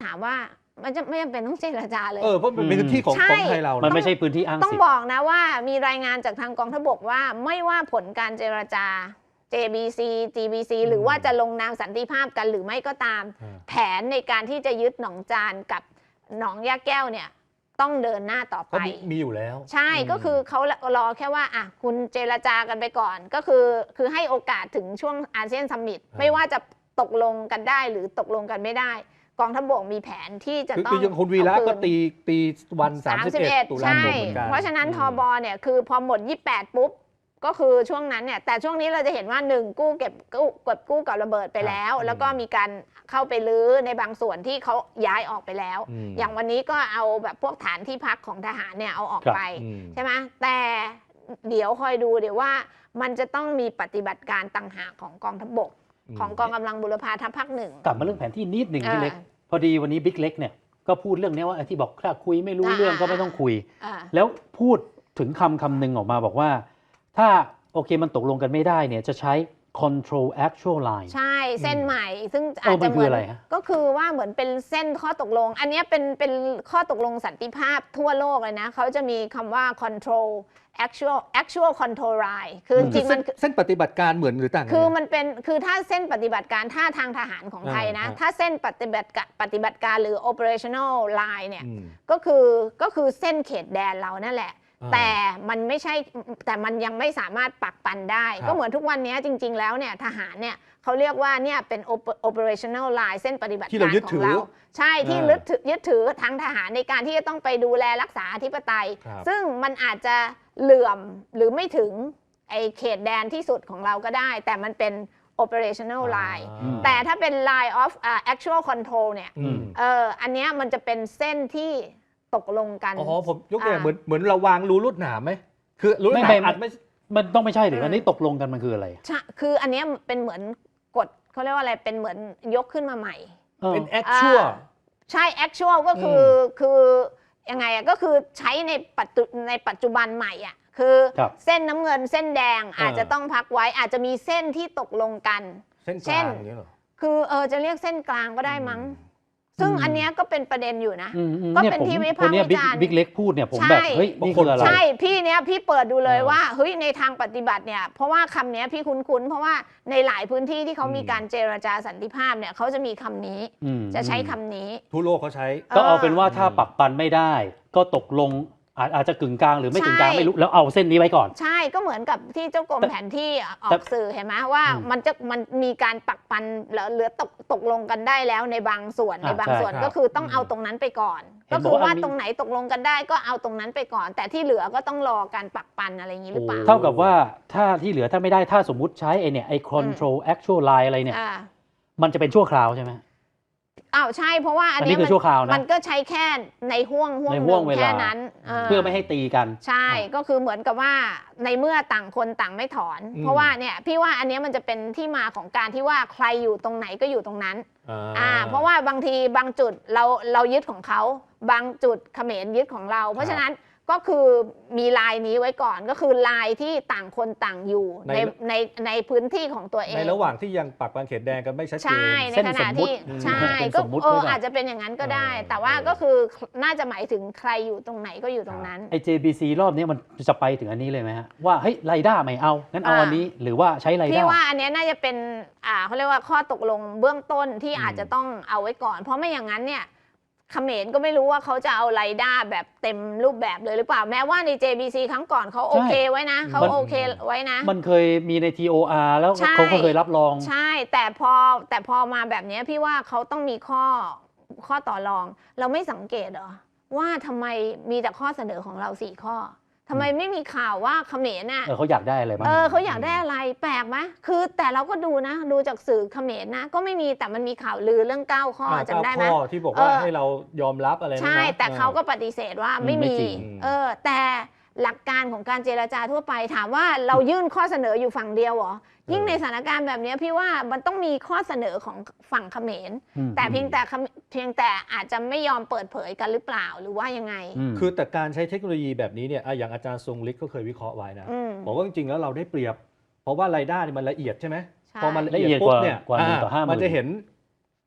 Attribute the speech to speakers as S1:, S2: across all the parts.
S1: ถามว่ามันจะไม่จำเป็นต้องเจรจาเลย
S2: เพราะมันเป็นพื้นที่ของไทยเรา
S3: มันไม่ใช่พื้นที่อ้างสิทธิ์
S1: ต้องบอกนะว่ามีรายงานจากทางกองทัพบกว่าไม่ว่าผลการเจรจา JBC GBC หรือว่าจะลงนามสันติภาพกันหรือไม่ก็ตามแผนในการที่จะยึดหนองจานกับหนองยาแก้วเนี่ยต้องเดินหน้าต่อไป
S2: มีอยู่แล้ว
S1: ใช่ก็คือเขารอแค่ว่าคุณเจรจากันไปก่อนก็คือให้โอกาสถึงช่วงอาเซียนซัมมิตไม่ว่าจะตกลงกันได้หรือตกลงกันไม่ได้กองทัพบกมีแผนที่จะต้อง
S2: คือคุณวีระก็ตีวัน31 ตุลาคมเหมือนกัน
S1: เพราะฉะนั้นทบเนี่ยคือพอหมด28ปุ๊บก็คือช่วงนั้นเนี่ยแต่ช่วงนี้เราจะเห็นว่า1กู้กับระเบิดไปแล้วแล้วก็มีการเข้าไปรื้อในบางส่วนที่เขาย้ายออกไปแล้วอย่างวันนี้ก็เอาแบบพวกฐานที่พักของทหารเนี่ยเอาออกไปใช่ไหมแต่เดี๋ยวคอยดูเดี๋ยวว่ามันจะต้องมีปฏิบัติการต่างหากของกองทัพบกของกองกำลังบุรพาทัพภาคหนึ่ง
S3: กลับมาเรื่องแผนที่นิดหนึ่งพี่เล็กพอดีวันนี้บิ๊กเล็กเนี่ยก็พูดเรื่องนี้ว่าที่บอกถ้าคุยไม่รู้เรื่องก็ไม่ต้องคุยแล้วพูดถึงคำหนึ่งออกมาบอกว่าถ้าโอเคมันตกลงกันไม่ได้เนี่ยจะใช้ control actual line
S1: ใช่เส้นใหม่ซึ่งอาจจะเหมือนก็คือว่าเหมือนเป็นเส้นข้อตกลงอันนี้เป็นข้อตกลงสันติภาพทั่วโลกเลยนะเขาจะมีคำว่า control actual control line คือจริงมัน
S2: เส้นปฏิบัติการเหมือนหรือต่าง
S1: คือมันเป็นคือถ้าเส้นปฏิบัติการถ้าทางทหารของไทยนะถ้าเส้นปฏิบัติการหรือ operational line เนี่ยก็คือเส้นเขตแดนเรานั่นแหละแต่มันไม่ใช่แต่มันยังไม่สามารถปักปันได้ก็เหมือนทุกวันนี้จริงๆแล้วเนี่ยทหารเนี่ยเขาเรียกว่าเนี่ยเป็น operational line เส้นปฏิบัติการของเราใช่ที่ยึดถือทางทหารในการที่จะต้องไปดูแลรักษาอธิปไตยซึ่งมันอาจจะเหลื่อมหรือไม่ถึงไอเขตแดนที่สุดของเราก็ได้แต่มันเป็น operational line แต่ถ้าเป็น line of actual control เนี่ยอันนี้มันจะเป็นเส้นที่ตกลงกัน
S2: ผมยกตัวอย่างเหมือนเราวางรูลวดหนามไหมคือรูลวดหนามไม่
S3: มันต้องไม่ใช่หรืออันนี้ตกลงกันมันคืออะไร
S1: ใช่คืออันนี้เป็นเหมือนกฎเขาเรียกว่าอะไรเป็นเหมือนยกขึ้นมาใหม่
S2: เป็น actual
S1: ใช่ actual ก็คือยังไงก็คือใช้ในปัจจุบันใหม่คือเส้นน้ำเงินเส้นแดงอาจจะต้องพักไว้อาจจะมีเส้นที่ตกลงกัน
S2: เส้นกลางอย่างนี้เหรอ
S1: คือจะเรียกเส้นกลางก็ได้มั้งซึ่งอันนี้ก็เป็นประเด็นอยู่นะก็เป็นที่วิพากษ์วิจารณ์
S3: บิ๊กเล็กพูดเนี่ยผมแบบเฮ้ยนี่คืออะไร
S1: ใช่พี่เปิดดูเลยว่าเฮ้ยในทางปฏิบัติเนี่ยเพราะว่าคำนี้พี่คุ้นเพราะว่าในหลายพื้นที่ที่เขามีการเจรจาสันติภาพเนี่ยเขาจะมีคำนี้จะใช้คำนี้
S2: ทั่วโลกเขาใช้
S3: ก็เอาเป็นว่าถ้าปักปันไม่ได้ก็ตกลงอาจจะกึ่งกลางหรือไม่กึ่งกลางไม่รู้แล้วเอาเส้นนี้ไว้ก่อน
S1: ใช่ก็เหมือนกับที่เจ้ากรมแผนที่ออกสื่อเห็นไหมว่ามันมีการปักปันเหลือตกลงกันได้แล้วในบางส่วนก็คือต้องเอาตรงนั้นไปก่อนก็คือว่าตรงไหนตกลงกันได้ก็เอาตรงนั้นไปก่อน แต่ที่เหลือก็ต้องรอการปักปันอะไรอย่างนี้หรือเปล่า
S3: เท่ากับว่าถ้าที่เหลือถ้าไม่ได้ถ้าสมมุติใช้ไอ้ control actual line อะไรเนี่ยมันจะเป็นชั่วคราวใช่ไหม
S1: ใช่เพราะว่าอันนี้มันก็ใช้แค่ในห่วงแค่นั้น
S3: เพื่อไม่ให้ตีกัน
S1: ใช่ก็คือเหมือนกับว่าในเมื่อต่างคนต่างไม่ถอนเพราะว่าเนี่ยพี่ว่าอันนี้มันจะเป็นที่มาของการที่ว่าใครอยู่ตรงไหนก็อยู่ตรงนั้นเพราะว่าบางทีบางจุดเรายึดของเขาบางจุดเขมรยึดของเราเพราะฉะนั้นก็คือมีลายนี้ไว้ก่อนก็คือลายที่ต่างคนต่างอยู่ในพื้นที่ของตัวเอง
S2: ในระหว่างที่ยังปักปันเขตแดงกันไม่ชัดเจน
S1: ใช่ในขณะที่ใช่ก็อาจจะเป็นอย่างนั้นก็ได้แต่ว่าก็คือน่าจะหมายถึงใครอยู่ตรงไหนก็อยู่ตรงนั้น
S3: ไอ้ JBC รอบนี้มันจะไปถึงอันนี้เลยไหมฮะว่าเฮ้ยไรด้าไม่เอางั้นเอาอันนี้หรือว่าใช้ไรด้า
S1: พี่ว่าอันนี้น่าจะเป็นเขาเรียกว่าข้อตกลงเบื้องต้นที่อาจจะต้องเอาไว้ก่อนเพราะไม่อย่างนั้นเนี่ยเขมรก็ไม่รู้ว่าเขาจะเอาไรด้าแบบเต็มรูปแบบเลยหรือเปล่าแม้ว่าใน JBC ครั้งก่อนเขาโอเคไว้นะเขาโอเคไว้นะ
S3: มันเคยมีใน TOR แล้วเขาก็เคยรับรอง
S1: ใช่แต่พอมาแบบนี้พี่ว่าเขาต้องมีข้อต่อรองเราไม่สังเกตเหรอว่าทำไมมีแต่ข้อเสนอของเรา4ข้อทำไมไม่มีข่าวว่าเขมรน่ะ
S3: เขาอยากได้อะไรบ้าง
S1: เขาอยากได้อะไรแปลกไหมคือแต่เราก็ดูนะดูจากสื่อเขมรนะก็ไม่มีแต่มันมีข่าวลือเรื่อง9ข้อจำได้ไหม
S2: ข้อที่บอกว่าให้เรายอมรับอะไรนะ
S1: ใช่แต่เขาก็ปฏิเสธว่าไม่มีแต่หลักการของการเจรจาทั่วไปถามว่าเรายื่นข้อเสนออยู่ฝั่งเดียวเหรอยิ่งในสถานการณ์แบบนี้พี่ว่ามันต้องมีข้อเสนอของฝั่งเขมรแต่เพียงแต่อาจจะไม่ยอมเปิดเผยกันหรือเปล่าหรือว่ายังไง
S2: คือแต่การใช้เทคโนโลยีแบบนี้เนี่ยอย่างอาจารย์ทรงฤทธิ์ก็เคยวิเคราะห์ไว้นะบอกว่าจริงๆแล้วเราได้เปรียบเพราะว่าไรด้านี่มันละเอียดใช่ไหมพอมันละเอียดปุ๊บเนี่ยมันจะเห็น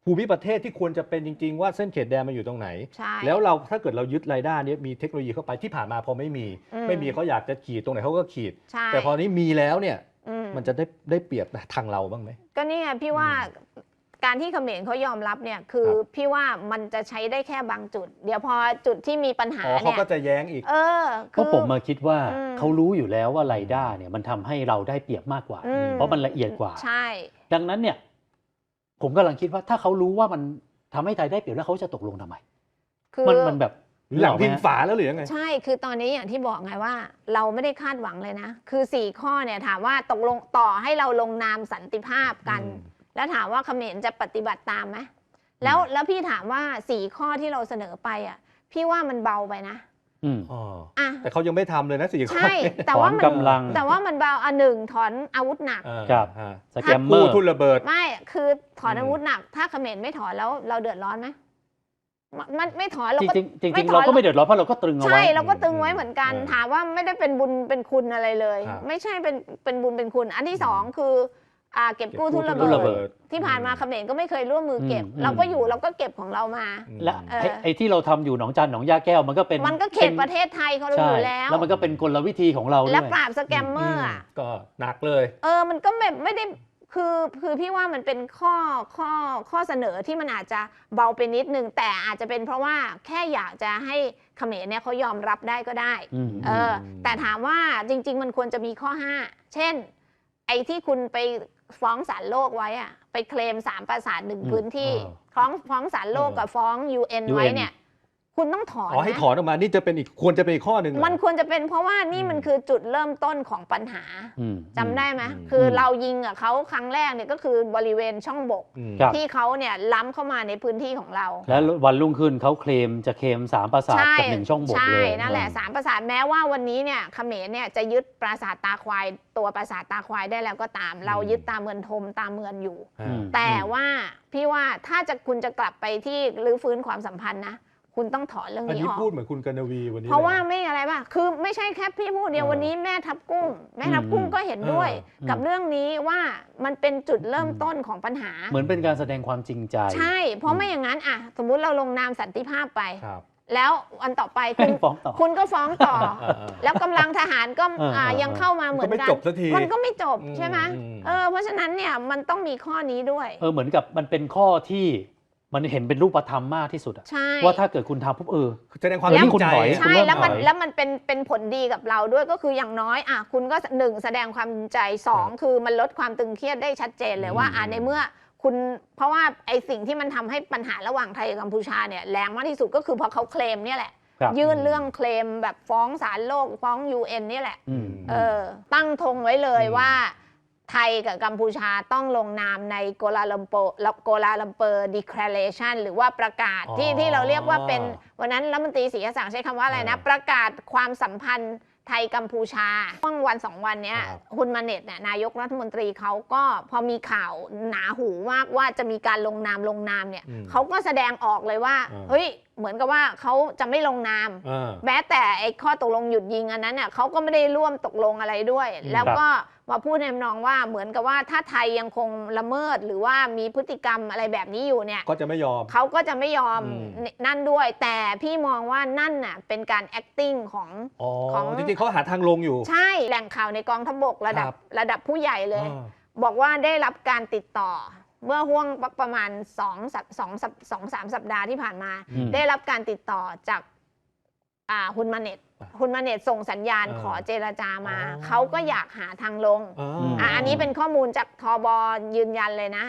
S2: ภูมิประเทศที่ควรจะเป็นจริงๆว่าเส้นเขตแดนมันอยู่ตรงไหน
S1: ใช่
S2: แล้วเราถ้าเกิดเรายึดรายได้นี้มีเทคโนโลยีเข้าไปที่ผ่านมาพอไม่มีเขาอยากจะขีดตรงไหนเขาก็ขีด
S1: ใช่
S2: แต่พอนี้มีแล้วเนี่ยมันจะได้เปรียบทางเราบ้างไหม
S1: ก็นี่ไงพี่ว่าการที่เขมรเขายอมรับเนี่ยคือพี่ว่ามันจะใช้ได้แค่บางจุด เดี๋ยวพอจุดที่มีปัญหาเนี่ย
S2: เขาก็จะแย้งอีก
S3: เพราะผมมาคิดว่าเขารู้อยู่แล้วว่าไรด้าเนี่ยมันทำให้เราได้เปรียบมากกว่า เพราะมันละเอียดกว่า
S1: ใช่
S3: ดังนั้นเนี่ยผมกำลังคิดว่าถ้าเขารู้ว่ามันทำให้ไทยได้เปรียบแล้วเขาจะตกลงทำไม
S1: คือ
S3: มันแบบ
S2: หลังพิงฝาแล้วหรือยังไง
S1: ใช่คือตอนนี้อย่างที่บอกไงว่า เราไม่ได้คาดหวังเลยนะคือ4ข้อเนี่ยถามว่าตกลงต่อให้เราลงนามสันติภาพกันแล้วถามว่าเขมรจะปฏิบัติตามไหมแล้วพี่ถามว่า4ข้อที่เราเสนอไปอ่ะพี่ว่ามันเบาไปนะ
S2: แต่เขายังไม่ทำเลยนะ4 ข้อ
S1: ใช่แต่ว่ามัน
S3: กำลัง
S1: แต่ว่ามันเบาหนึ่งถอนอาวุธหนัก
S3: ครับสแกมเมอร์
S2: ทุ่นระเบิด
S1: ไม่คือถอนอาวุธหนักถ้าเขมรไม่ถอนแล้วเราเดือดร้อนไหมมันไม่ถอนเราก็
S3: จริงเราก็ไม่เดือดร้อนเพราะเราก็ตรึงเอาไว้
S1: ใช่เราก็ตึงไว้เหมือนกันถามว่าไม่ได้เป็นบุญเป็นคุณอะไรเลย ไม่ใช่เป็นบุญเป็นคุณอันที่สองคือเก็บกู้ทุนระเบิดที่ผ่านมาเขมรก็ไม่เคยร่วมมือเก็บเราก็อยู่เราก็เก็บของเรามา
S3: และไอ้ที่เราทำอยู่หนองจานหนองยาแก้วมันก็
S1: เขตประเทศไทยเขาอยู่แล้ว
S3: แล้วมันก็เป็นกลวิธีของเราด้วย
S1: และปราบสแกมเมอร์
S2: ก็หนักเลย
S1: มันก็แบบไม่ได้คือพี่ว่ามันเป็นข้อเสนอที่มันอาจจะเบาไปนิดนึงแต่อาจจะเป็นเพราะว่าแค่อยากจะให้เขมรเนี่ยเขายอมรับได้ก็ได้แต่ถามว่าจริงๆมันควรจะมีข้อ5เช่นไอ้ที่คุณไปฟ้องศาลโลกไว้อะไปเคลม3ปราสาท1พื้นที่ฟ้องศาลโลกกับฟ้อง UN ไว้เนี่ยคุณต้องถอน
S2: ให้ถอนออกมานี่จะเป็นควรจะเป็นอีกข้อหนึ่ง
S1: มันควรจะเป็นเพราะว่านี่มันคือจุดเริ่มต้นของปัญหาจำได้ไหมคือเรายิงเขาครั้งแรกเนี่ยก็คือบริเวณช่องบกที่เขาเนี่ยล้ำเข้ามาในพื้นที่ของเรา
S3: แล้ววันรุ่งขึ้นเขาเคลม3ปราสาทกับ1ช่องบกเลย
S1: ใช่นั่นแหละ3ปราสาทแม้ว่าวันนี้เนี่ยเขมรเนี่ยจะยึดปราสาทตาควายตัวปราสาทตาควายได้แล้วก็ตามเรายึดตามเมืองทมตามเมืองอยู่แต่ว่าพี่ว่าถ้าคุณจะกลับไปที่รื้อฟื้นความสัมพันธ์นะคุณต้องถอนเรื่องนี้ออก
S2: พูดเหมือนคุณกนวีวันนี้
S1: เพราะว่าไม่อะไรป่ะคือไม่ใช่แค่พี่พูดเดียววันนี้แม่ทับกุ้งก็เห็นด้วยกับเรื่องนี้ว่ามันเป็นจุดเริ่มต้นของปัญหา
S3: เหมือนเป็นการแสดงความจริงใจ
S1: ใช่เพราะไม่อย่างนั้นสมมุติเราลงนามสันติภาพไปแล้ววันต่อไปคุณก็ฟ้องต่อแล้วกำลังทหารก็ยังเข้ามาเหมือนกันมันก็ไม่จบใช่ไหมเพราะฉะนั้นเนี่ยมันต้องมีข้อนี้ด้วย
S3: เหมือนกับมันเป็นข้อที่มันเห็นเป็นรูปธรรมมากที่สุดว่าถ้าเกิดคุณทำปุ๊บ
S2: แสดงความจริงใจ
S1: ใช่แล้วมันเป็นผลดีกับเราด้วยก็คืออย่างน้อยคุณก็1แสดงความจริงใจ2คือมันลดความตึงเครียดได้ชัดเจนเลยว่าในเมื่อคุณเพราะว่าไอสิ่งที่มันทำให้ปัญหาระหว่างไทยกับกัมพูชาเนี่ยแรงมากที่สุดก็คือพอเขาเคลมเนี่ยแหละยื่นเรื่องเคลมแบบฟ้องศาลโลกฟ้อง UN นี่แหละตั้งธงไว้เลยว่าไทยกับกัมพูชาต้องลงนามในโกลาลัมเปอร์ Declaration หรือว่าประกาศที่เราเรียกว่าเป็นวันนั้นรัฐมนตรีศรีศักดิ์ใช้คำว่าอะไรนะประกาศความสัมพันธ์ไทยกัมพูชาช่วงวัน2วันนี้ฮุนมาเน็ตเนี่ยนายกรัฐมนตรีเขาก็พอมีข่าวหนาหูมากว่าจะมีการลงนามเนี่ยเขาก็แสดงออกเลยว่าเฮ้ยเหมือนกับว่าเขาจะไม่ลงนามแม้แต่ไอ้ข้อตกลงหยุดยิงอันนั้นเนี่ยเขาก็ไม่ได้ร่วมตกลงอะไรด้วยแล้วก็มาพูดในทำนองว่าเหมือนกับว่าถ้าไทยยังคงละเมิดหรือว่ามีพฤติกรรมอะไรแบบนี้อยู่เนี่ย
S2: ก็จะไม่ยอม
S1: เขาก็จะไม่ยอมนั่นด้วยแต่พี่มองว่านั่นน่ะเป็นการ acting ของ
S2: จริงๆเขาหาทางลงอยู่
S1: ใช่แหล่งข่าวในกองทัพบกระดับผู้ใหญ่เลยบอกว่าได้รับการติดต่อเมื่อห่วงประมาณ2-3 สัปดาห์ที่ผ่านมาได้รับการติดต่อจากฮุนมาเน็ตส่งสัญญาณขอเจรจามาเขาก็อยากหาทางลงอันนี้เป็นข้อมูลจากทบยืนยันเลยนะ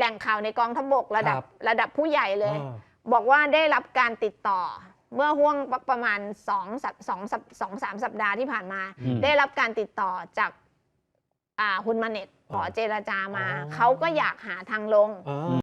S1: แหล่งข่าวในกองทัพบกระดับผู้ใหญ่เลย
S2: อ่า
S1: บอกว่าได้รับการติดต่อเมื่อห่วงประมาณ2-3 สัปดาห์ที่ผ่านมา ได้รับการติดต่อจากฮุนมาเน็ตขอเจรจามา เขาก็อยากหาทางลง